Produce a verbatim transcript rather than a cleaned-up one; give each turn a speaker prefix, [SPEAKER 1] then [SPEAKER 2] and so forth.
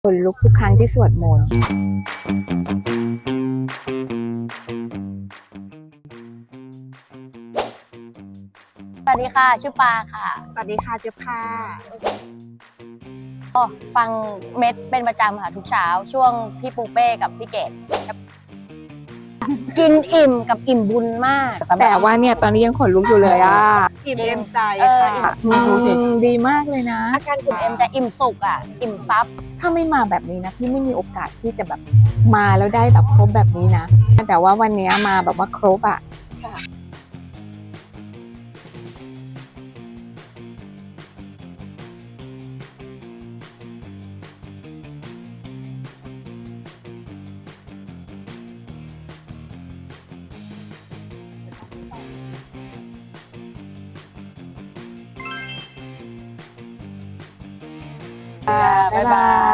[SPEAKER 1] ขนลุกทุกครั้งที่สวดมนต์
[SPEAKER 2] สวัสดีค่ะชื่อปาค่ะ
[SPEAKER 3] สวัสดีค่ะเจี๊ยบค่ะ
[SPEAKER 2] ก็ฟังเม็ดเป็นประจำค่ะทุกเช้าช่วงพี่ปูเป้กับพี่เกดกินอิ่มกับอิ่มบุญมาก
[SPEAKER 1] แต่ว่าเนี่ยตอนนี้ยังขนลุกอยู่เลยอ่ะ
[SPEAKER 3] อิ่มเอ็มใจ
[SPEAKER 2] เออ
[SPEAKER 3] ค่ะ
[SPEAKER 1] อืมดีมากเลยนะ
[SPEAKER 2] อาการอิ่มเอ็มจะอิ่มสุกอ่ะอิ่มซับ
[SPEAKER 1] ถ้าไม่มาแบบนี้นะพี่ไม่มีโอกาสที่จะแบบมาแล้วได้แบบครบแบบนี้นะแต่ว่าวันนี้มาแบบว่าครบอ่ะบ๊ายบาย